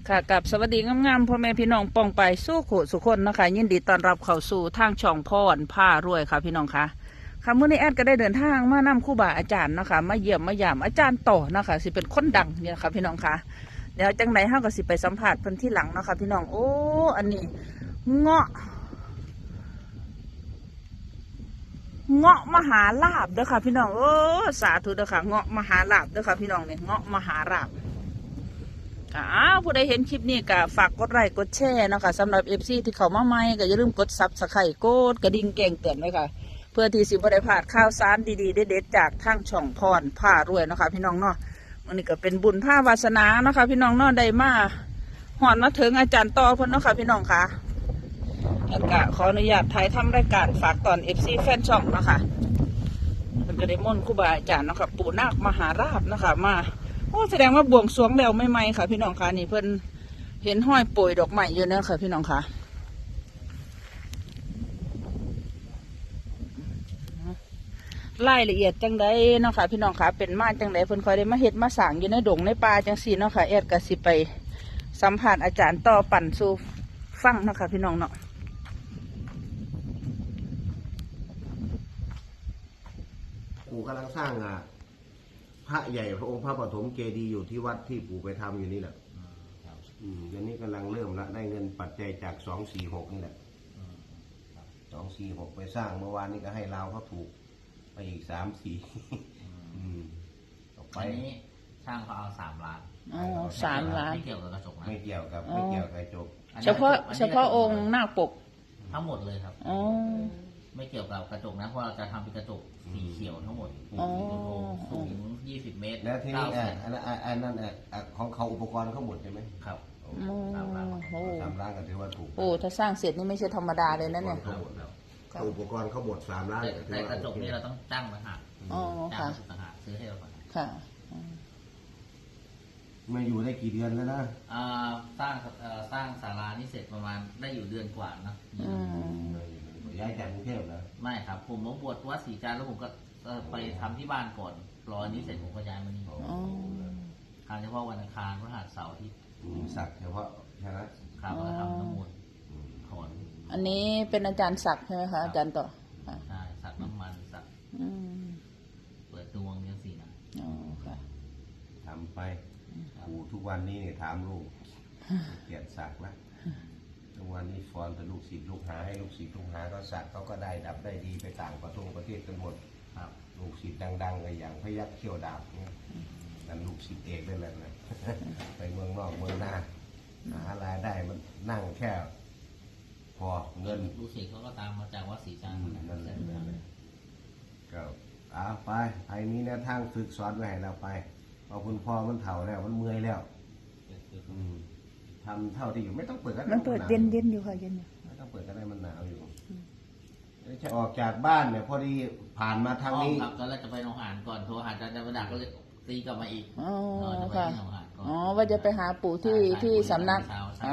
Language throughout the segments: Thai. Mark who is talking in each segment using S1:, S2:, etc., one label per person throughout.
S1: ค่ะกับสวัสดีงามๆพ่อแม่พี่น้องป้องไปสู้ขู่สุคนนะคะยินดีต้อนรับเข้าสู่ทางช่องพรผ้ารวยค่ะพี่น้องค่ะค่ะเมื่อนี้แอดก็ได้เดินทางมานำครูบาอาจารย์นะคะมาเยี่ยมมายามอาจารย์ต่อนะคะสิเป็นคนดังเนี่ยค่ะพี่น้องค่ะเดี๋ยวจังไหนเฮาก็สิไปสัมผัสเพิ่นที่หลังนะคะพี่น้องโอ้อันนี้เงาะมหาลาภเด้อค่ะพี่น้องโอ้สาธุเด้อค่ะเงาะมหาลาภเด้อค่ะพี่น้องเนี่ยเงาะมหาลาภ ผู้ใดเห็นคลิปนี้ก็ฝากกดไลค์กดแชร์นะคะสำหรับFCที่เขามาใหม่ก็อย่าลืมกดซับสไครต์กดกระดิ่งแจ้งเตือนไว้ค่ะเพื่อที่สิบ่ได้พลาดข่าวสารดีๆเด็ดๆจากทางช่องพรผ้ารวยนะคะพี่น้องเนาะวันนี้ก็เป็นบุญผ้าวาสนานะคะพี่น้องเนาะได้มาหอนมาถึงอาจารย์ต่อเพิ่นเนาะค่ะพี่น้องค่ะแล้วก็ขออนุญาตถ่ายทำรายการฝากตอน FC แฟนช่องเนาะค่ะเพิ่นก็ได้ม่นต์ครูบาอาจารย์เนาะค่ะปู่นาคมหาราชเนาะค่ะมาโอ้แสดงว่าบวงสรวงแล้วไม่ไหมค่ะพี่น้องค่ะนี่เพิ่นเห็นห้อยโปรยดอกไม้อยู่นะค่ะพี่น้องค่ะรายละเอียดจังไดเนาะค่ะพี่น้องค่ะเป็นมาจังไดเพิ่นคอยได้มาเฮ็ดมาสร้างอยู่ในดงในป่าจังซี่เนาะค่ะแอดก็สิไปสัมภาษณ์อาจารย์ต่อปั่นสู่ฟังเนาะค่ะพี่น้องเนาะ
S2: ปู่กำลังสร้างพระใหญ่พระองค์พระปฐมเจดีย์อยู่ที่วัดที่ปู่ไปทำอยู่นี่แหละเดี๋ยวนี้กำลังเริ่มแล้วได้เงินปัจจัยจาก246นี่แหละ246ไปสร้างเมื่อวานนี้ก็ให้เราเขาถูกไปอีก3-4ต่อไป
S3: นี้ช่างเขาเอา3 ล้าน
S1: อ๋อ3 ล้าน
S3: ไม่เกี่ยวกับกระจกนะ
S2: ไม่เกี่ยวกับกระจก
S1: เฉพาะองค์หน้าปก
S3: ทั้งหมดเลยครับ
S1: อ๋อ
S3: ไม่เกี่ยวกับกระจกนะเพราะเราจะทำเป็นกระจกสีเขียวทั้งหมดสูง20 เมตร
S2: แล้วที่นี่อันนั้นของเขาอุปกรณ์เขาหมดใช่ไหม
S3: ครับ
S2: 3 ล้าน3 ล้านก็ถือว่าถูก
S1: โอ้ถ้าสร้างเสร็จนี่ไม่ใช่ธรรมดาเลยนะเนี่ย
S2: อุปกรณ์เขาหมด3 ล้าน
S3: แต่กระจกนี่เราต้องจ้างต่างหากจ้างต่างหากซื้อให้เราก่อน
S1: ค่ะ
S2: มาอยู่ได้กี่เดือนแล้วนะ
S3: สร้างศาลานี่เสร็จประมาณได้อยู่เดือนกว่านะ
S2: ย้ายจากกรุงเทพนะ
S3: ไม่ครับผมมาบวชวัดศรีจันทร์แล้วผมก็ไปทำที่บ้านก่อนรอนี้เสร็จผมก็ย้ายมานี่ทำเฉพาะวันอังคารพฤหัสเสาร์อาทิตย์
S2: สักเฉพาะใช่ไหม
S3: ครับแล้วทำน้ำมนต์ถอน
S1: อันนี้เป็นอาจารย์ศักดิ์ใช่ไหมคะอาจารย์ต่อ
S3: ใช่สักน้ำมันสักเปิดดวงยังสี่นะ
S1: อ๋อค่ะ
S2: ทำไปปู่ทุกวันนี้เนี่ยถามลูกเกียรติศักดิ์ละทุกวันนี้ฟอนแต่ลูกศิษย์ลูกหาให้ลูกศิษย์ลูกหาก็สักเขาก็ได้ดับได้ดีไปต่างประเทศกันหมด
S3: ครับ
S2: ลูกศิษย์ดังๆเลยอย่างพยัคฆ์เขี้ยวดาบเนี่ยนั่นลูกศิษย์เอกได้เลยนะไปเมืองนอกเมืองหน้าหารายได้มันนั่งแค่พอเงิน
S3: ลูกศิษย์เขาก็ตามมาจากวัดศรีจันทร์
S2: นั่นแหละก็ไปไอ้นี้เนี่ยทางฝึกสอนไว้ให้เราไปเอาคุณพ่อมันเฒ่าแล้วมันเมื่อยแล้วทำเท่าที่อยู่ไม่ต้องเปิดก็ได้
S1: มันเปิดเย็นอยู่ค่ะเย็นอยู่
S2: ไม่ต้องเปิดก็ได้มันหนาวอยู่จะออกจากบ้านเนี่ยพอดีผ่านมาทางนี้
S3: ครับตอนแรกจะไปหนองหานก่อนโทรหาอาจารย์จะมาดักก็เลยตีกลับมาอีก
S1: อ๋อค่ะอ๋อว่าจะไปหาปู่ที่สำนัก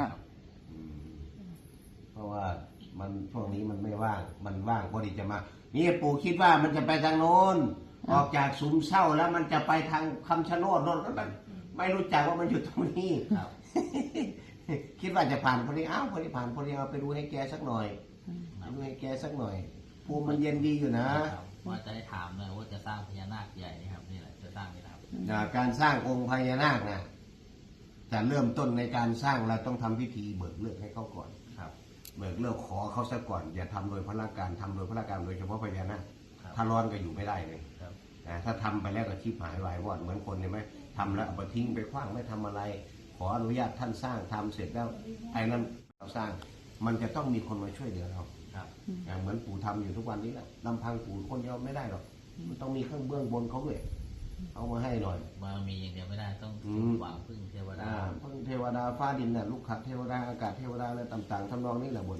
S2: เพราะว่ามันช่วงนี้มันไม่ว่างมันว่างพอดีจะมานี่ปู่คิดว่ามันจะไปทางโน้นออกจากสุมเศร้าแล้วมันจะไปทางคำชะโนดโน้นแล้วมันไม่รู้จักว่ามันอยู่ตรงนี้คิดว่าจะผ่านพอดีพอดีผ่านพอดีเอาไปดูให้แกสักหน่อยดูให้แกสักหน่อยภูมิมันเย็นดีอยู่นะ
S3: ว่าจะได้ถามเลยว่าจะสร้างพญานาคใหญ่นี่ครับนี่แหละจะสร้างนี่ครับ
S2: การสร้างองค์พญานาคนะจะเริ่มต้นในการสร้างเราต้องทำพิธีเบิกเลือกให้เขาก่อน
S3: ครับ
S2: เบิกเลือกขอเขาซะก่อนอย่าทำโดยพระการทำโดยพระการโดยเฉพาะพญานาคถ้าร้อนก็อยู่ไม่ได้เลยถ้าทำไปแล้วก็ชีพหายวายวอดเหมือนคนเห็นไหมทำแล้วเอาไปทิ้งไปขว้างไม่ทำอะไรขออนุญาตท่านสร้างทำเสร็จแล้วไอ้นั้นเราสร้างมันจะต้องมีคนมาช่วยเหลือเราอย่างเหมือนปู่ทำอยู่ทุกวันนี้แหละลำพังปู่คนเดียวไม่ได้หรอกมันต้องมีเครื่องเบื้องบนเขาด้วยเอามาให้หน่อย
S3: มามีอย่างเดียวไม่ได้ต้องหวังพึ่งเทวดา
S2: พึ่งเทวดาฟ้าดินน่ะลูกขัดเทวดาอากาศเทวดาอะไรต่างๆทำนองนี้แหละบน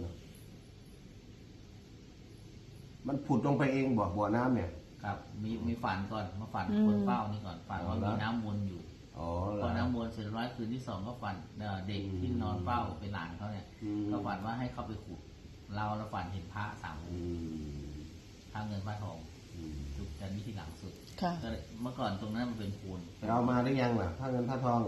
S2: มันผุดลงไปเองบ่อน้ำเนี่ย
S3: ครับมีฝันก่อนมาฝันคนเฝ้านี่ก่อนฝันว่ามีน้ำวนอยู่พอน้ำวนเสร็จร้อยคืนที่2ก็ฝันเด็กที่นอนเฝ้าเป็นหลานเขาเนี่ยก็ฝันว่าให้เขาไปขุดเราฝันเห็นพระ3 องค์พระเงินพระทองจุดกันที่หลังสุดเมื่อก่อนตรงนั้นมันเป็นปูน
S2: เรามาหรือยังล่ะพระเงินพระทอง
S3: ย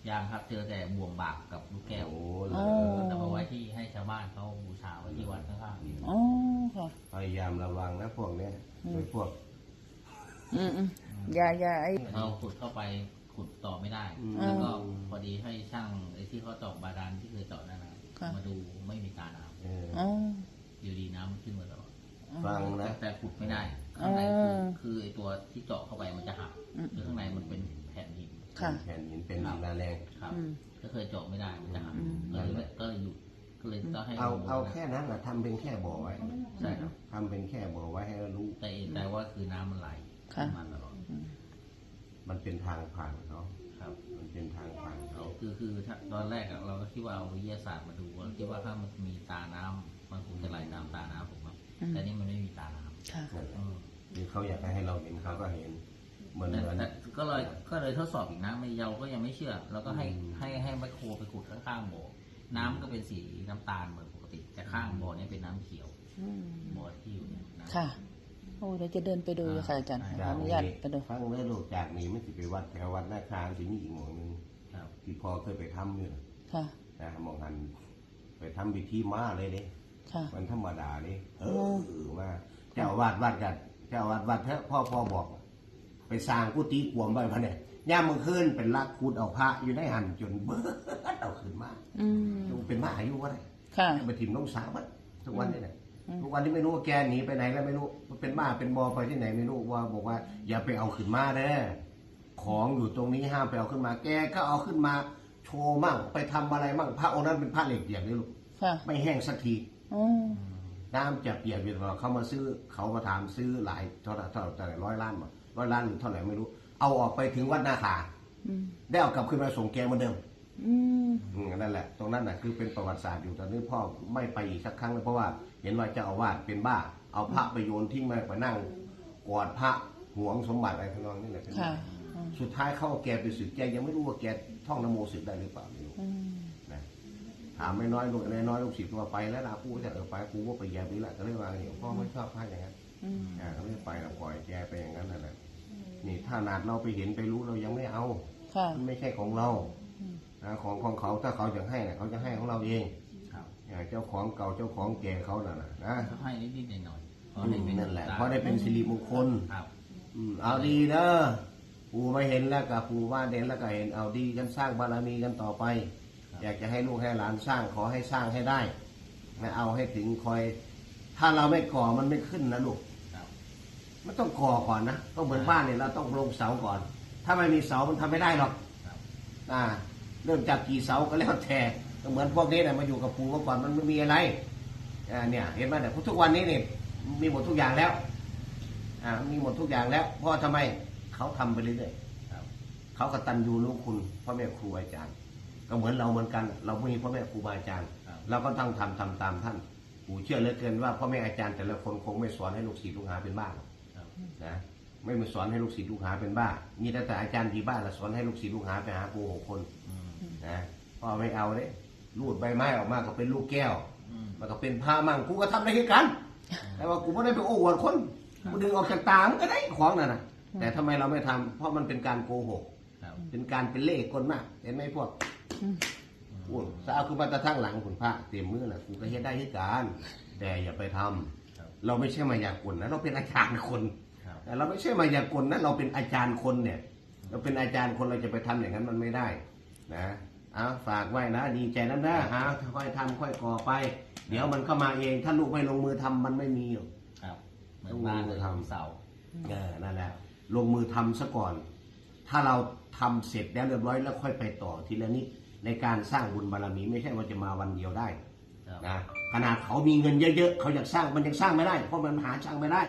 S3: ยังครับเจอแต่บ่วงบากกับลูกแก้ว
S2: โอ้
S1: อ๋อ
S3: แต่มาไว้ที่ให้ชาวบ้านเขาบูชาไว้ที่วัดข้างๆนี่
S1: อ๋อค่ะ
S2: พยายามระวังนะพวกเนี้ยโดยพวก
S1: อืมอย่าไอ้
S3: เราขุดเข้าไปขุดต่อไม่ได้
S2: อืม
S3: แล้วก็พอดีให้ช่างไอ้ที่เขาเจาะบาดาลที่เคยเจาะนั่นนะมาดูไม่มีตาน้
S2: เออ
S1: อ๋อ
S3: ำอยู่ดีน้ำมันขึ้นมาตลอด
S2: ฟังนะ
S3: แต่ขุดไม่ได้ข้างในคือไอ้ตัวที่เจาะเข้าไปมันจะหักคือข้างในมันเป็นแผ่นหิน
S1: ค่ะ
S2: แผ่นหินเป็นหินแรง
S3: ครับ
S1: อืม
S3: ก็เคยเจาะไม่ได้มันจะหัก
S1: อืม
S3: ก็เลยหยุดก็เลยต้องให้
S2: เอาแค่นั้นแหละทำเป็นแค่บ่อไว้
S3: ใช่ครับ
S2: ทำเป็นแค่บ่อไว้ให้เรารู้
S3: แต่ว่าคือน้ำมันไหล
S1: ค่ะ
S3: มาตลอด
S2: มันเป็นทางผ่านเขา
S3: ครับ
S2: มันเป็นทางผ่านเขา
S3: คือถ้าตอนแรกอะเราก็คิดว่าเอาวิทยาศาสตร์มาดูเราคิดว่าถ้ามันมีตาน้ำมันคงจะไหลตามตาน้ำผมว่าแต่นี่มันไม่มีตาน้ำ
S1: ค่ะ
S2: คือเขาอยากให้เราเห็นเขาก็เห็นเหมือน
S3: แต่ก็เลยทดสอบอีกนะไม่เราก็ยังไม่เชื่อเราก็ให้ไมโครไปขุดข้างๆบ่อน้ำก็เป็นสีน้ำตาลเหมือนปกติ แต่ข้างบ่อเนี่ยเป็นน้ำเขียว
S1: อืม
S3: บ่อที่อยู่เนี่ยน้ำ
S1: ค่ะ โอ้เดี๋ยวจะเดินไปดูค่ะอาจารย์ขอ
S2: จาก
S1: อนุ
S2: นี้
S1: ญาตไปดู
S2: ฟังเรื่องลูกจากนี้ไม่สิไปวัดแถววัดนาคาสิมีอีกหมองหนึง
S3: ครับ
S2: ที่พ่อเคยไปทำอยู่
S1: ค่ะ
S2: นะหมองหันไปทำพิธีมาเลยเด้
S1: ค่ะ
S2: มันธรรมดานี่ว่าเจ้าอาวาดวัดกันเจ้าอาวาดวัดเถอะพ่อบอก ไปสร้างกุฏิกวมไว้พะเนี่ยย่ามมือคืนเป็นลักคูดเอาพระอยู่ในหันจนเบิดเอาขึ้นมา
S1: อืม
S2: เป็นมาอายุวะเนี่ย
S1: ค่ะ
S2: ไปถิ่มน้องสาวมันทุกวันนี้เนี่ยทุกวันนี้ไม่รู้ว่าแกหนีไปไหนแล้วไม่รู้เป็นบ้าเป็นบอไปที่ไหนไม่รู้ว่าบอกว่า อย่าไปเอาขึ้นมาเด้อของอยู่ตรงนี้ห้ามไปเอาขึ้นมา แกก็เอาขึ้นมาโชว์มั่งไปทำอะไรมั่งพระองค์นั้นเป็นพระเหล็กเปียกนี่ลูก
S1: ค่ะ
S2: ไม่แห้งสักที
S1: อ๋อ
S2: น้ำจะเปียกอยู่ตลอดเขามาซื้อเขามาถามซื้อหลายเท่าไหร่100 ล้านมา100 ล้านหรือเท่าไหร่ไม่รู้ เอาออกไปถึงวัดนาคา
S1: อืม
S2: ได้เอากลับขึ้นมาส่งแกเหมือนเดิม
S1: อืม
S2: นั่นแหละตรงนั้นน่ะคือเป็นประวัติศาสตร์อยู่ตอนนี้พ่อไม่ไปอีกสักครั้งเลยเพราะว่าเห็นว่าเจ้าอาวาสเป็นบ้า เอาพระไปโยนทิ้งไปนั่งกอดพระหวงสมบัติอะไรทั้งนั้นนี่แหละเป็น
S1: ค่ะ
S2: สุดท้ายเข้าแกไปสึกแกยังไม่รู้ว่าแกท่องนโมสึกได้หรือเปล่าไม่รู้
S1: อืม
S2: นะถามไม่น้อยลูกน้อยลูกศิษย์ว่าไปแล้วนะกูจะไปกูว่าไปแย่ไปละก็เลยว่าเนี่ยพ่อไม่ชอบพระอย่างนั้น
S1: อืม
S2: ก็ไม่ไปเราปล่อยแกไปอย่างนั้นนั่นแหละนี่ถ้านาดเราไปเห็นไปรู้เรายังไม่เอา
S1: ค่ะ
S2: มันไม่ใช่ของเรานะของเขาถ้าเขาจะให้นะเขาจะให้ของเราเอง
S3: ครับ
S2: เจ้าของเก่าเจ้าของแก่เขาน่ะนะ
S3: ก็ให้นิดๆหน่อยๆพอได้เป็
S2: นั่นแหละเพราะได้เป็นสิริมงคล
S3: ครับ
S2: เอาดีเด้อปู่มาเห็นแล้วกับปู่ว่าเด่นแล้วก็เห็นเอาดีกันสร้างบารมีกันต่อไป อยากจะให้ลูกให้หลานสร้างขอให้สร้างให้ได้ไม่เอาให้ถึงคอย ถ้าเราไม่ก่อมันไม่ขึ้นนะลูก
S3: ครับ
S2: มันต้องก่อก่อนนะต้องเหมือนบ้านเนี่ยเราต้องลงเสาก่อน ถ้าไม่มีเสามันทำไม่ได้หรอก
S3: ครับ
S2: เริ่มจากกี่เสาก็แล้วแต่ก็เหมือนพวกนี้นะมาอยู่กับปู่เมื่อก่อนมันไม่มีอะไรเนี่ยเห็นไหมเนี่ยทุกวันนี้เนี่ยมีหมดทุกอย่างแล้วมีหมดทุกอย่างแล้วเพราะทำไมเขาทำไปเรื่อย
S3: ครับ
S2: ๆเขากตัญญูรู้คุณพ่อแม่ครูอาจารย์ ก็เหมือนเราเหมือนกัน เราไม่มีพ่อแม่ครูบาอาจารย์ เราก็ต้องทำตามท่านปู่เชื่อเหลือเกินว่าพ่อแม่อาจารย์แต่ละคนคงไม่สอนให้ลูกศิษย์ลูกหาเป็นบ้าหรอก
S3: ครับ
S2: นะไม่มาสอนให้ลูกศิษย์ลูกหาเป็นบ้า มีแต่อาจารย์ที่บ้านละสอนให้ลูกศิษย์ลูกหาไปหาครู6 คน
S3: อืม
S2: นะพ่อไม่เอาเลยรูดใบไม้ออกมาก็เป็นลูกแก้ว
S3: อืม
S2: มันก็เป็นผ้ามั่งกูก็ทำได้แค่กัน แต่ว่ากูไม่ได้ไปโอ้อวดคนกูดึงออกจากตามันก็ได้ของนั่นนะแต่ทำไมเราไม่ทำเพราะมันเป็นการโกหก
S3: ครับ
S2: เป็นการเป็นเล่ห์กลมากเห็นไหมพวกอ้วนสาวคือมาตะทั้งหลังคุณพระเต็มมือแหละกูก็เฮ็ดได้ที่การแต่อย่าไปทำ
S3: ครับ
S2: เราไม่ใช่มายากลนะเราเป็นอาจารย์คน
S3: ครับ
S2: แต่เราไม่ใช่มายากลนะเราเป็นอาจารย์คนเนี่ย เราเป็นอาจารย์คนเราจะไปทำอย่างนั้นมันไม่ได้นะฝากไว้นะดีใจนะค่อยทำค่อยก่อไป เดี๋ยวมันเข้ามาเองถ้าลูกไม่ลงมือทำมันไม่มีหรอก
S3: ครับเหมือนบ้านเลยทำเสา
S2: นั่นแหละลงมือทำซะก่อน ถ้าเราทำเสร็จแล้วเรียบร้อยแล้วค่อยไปต่อทีละนิดในการสร้างบุญบารมีไม่ใช่ว่าจะมาวันเดียวได้
S3: ครับ
S2: นะขนาดเขามีเงินเยอะๆเขาอยากสร้างมันยังสร้างไม่ได้เพราะมันหาช่างไม่ได้